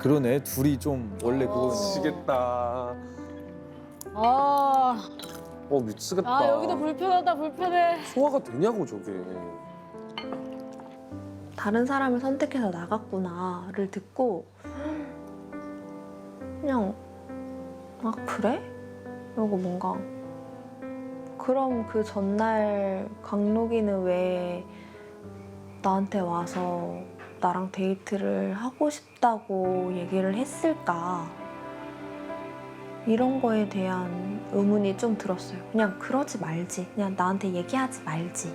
그러네. 둘이 좀 원래 그거. 미치겠다. 아, 미치겠다. 아 여기도 불편하다 불편해. 소화가 되냐고 저게. 다른 사람을 선택해서 나갔구나를 듣고 그냥 아 그래? 이러고 뭔가 그럼 그 전날 강록이는 왜 나한테 와서 나랑 데이트를 하고 싶다고 얘기를 했을까? 이런 거에 대한 의문이 좀 들었어요. 그냥 그러지 말지. 그냥 나한테 얘기하지 말지.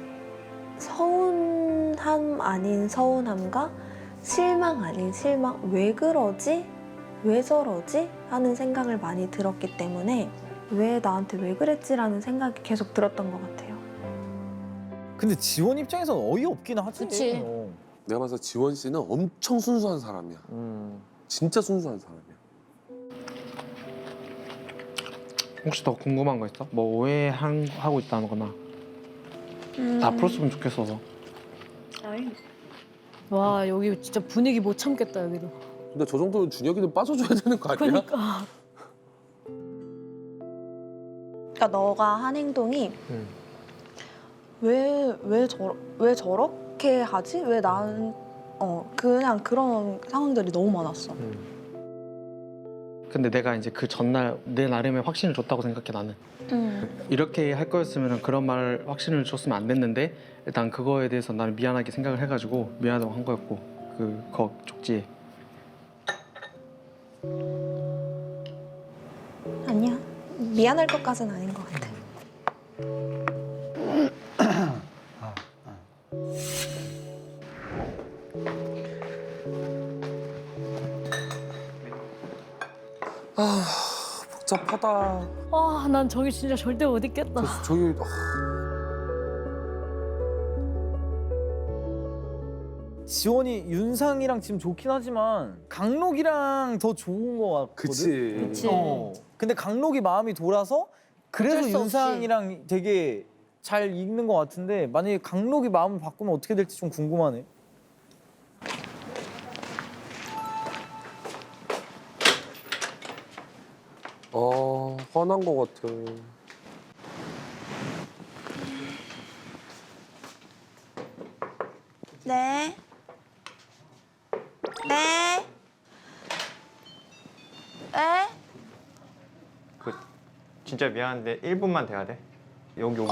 서운함 아닌 서운함과 실망 아닌 실망. 왜 그러지? 왜 저러지? 하는 생각을 많이 들었기 때문에 왜 나한테 왜 그랬지라는 생각이 계속 들었던 것 같아요. 근데 지원 입장에서는 어이없긴 하지. 그치. 내가 봐서 지원 씨는 엄청 순수한 사람이야. 진짜 순수한 사람이야. 혹시 더 궁금한 거 있어? 뭐 오해하고 있다는 거나 다 풀었으면 좋겠어서. 와 여기 진짜 분위기 못 참겠다 여기도. 근데 저 정도면 준혁이는 빠져줘야 되는 거 아니야? 그러니까. 그러니까 너가 한 행동이 왜 저렇게 하지? 왜 난 그냥 그런 상황들이 너무 많았어. 근데 내가 이제 그 전날 내 나름의 확신을 줬다고 생각해 나는. 이렇게 할 거였으면 그런 말 확신을 줬으면 안 됐는데 일단 그거에 대해서 나는 미안하게 생각을 해가지고 미안하다고 한 거였고 그 쪽지에. 아니야. 미안할 것까지는 아닌 것 같아. 복잡하다. 아, 난 저기 진짜 절대 못 있겠다. 저기 지원이 윤상이랑 지금 좋긴 하지만 강록이랑 더 좋은 거 같거든. 그치. 그치. 근데 강록이 마음이 돌아서 그래서 어쩔 수 없이. 윤상이랑 되게 잘 읽는 것 같은데 만약에 강록이 마음을 바꾸면 어떻게 될지 좀 궁금하네. 화난 거 같아. 네. 네. 네. 그 진짜 미안한데 1분만 돼야 돼. 여기서.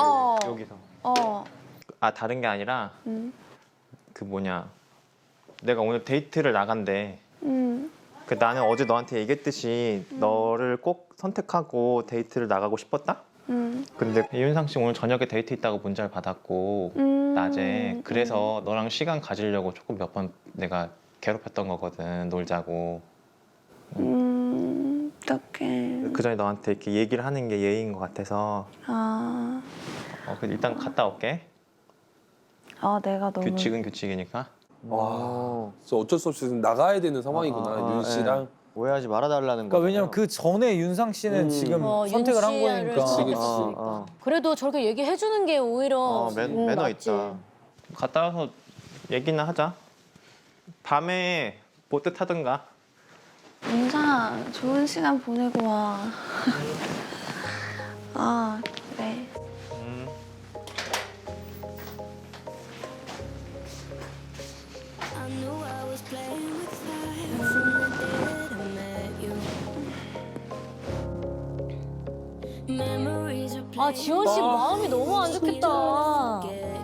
아 다른 게 아니라 그 뭐냐 내가 오늘 데이트를 나간대. 그 나는 어제 너한테 얘기했듯이 너를 꼭 선택하고 데이트를 나가고 싶었다. 근데 이윤상 씨 오늘 저녁에 데이트 있다고 문자를 받았고 낮에 그래서 너랑 시간 가지려고 조금 몇 번 내가 괴롭혔던 거거든. 놀자고. 어떡해. 그 전에 너한테 이렇게 얘기를 하는 게 예의인 것 같아서 아. 그럼 일단 갔다 올게. 내가 너무. 규칙은 규칙이니까. 진짜 어쩔 수 없이 지금 나가야 되는 상황이구나. 윤 씨랑. 오해하지 말아달라는 그러니까 거. 왜냐면 그 전에 윤상 씨는 지금 윤 선택을 한 씨를 거니까. 선택했으니까. 그래도 저렇게 얘기해 주는 게 오히려 매너 맞지. 있다. 갔다 와서 얘기나 하자. 밤에 보트 타든가. 윤상아, 좋은 시간 보내고 와. 그래. I knew I was playing with fire from the day that I met you. Memories are 아 지원 씨 마음이 너무 안 좋겠다. playing.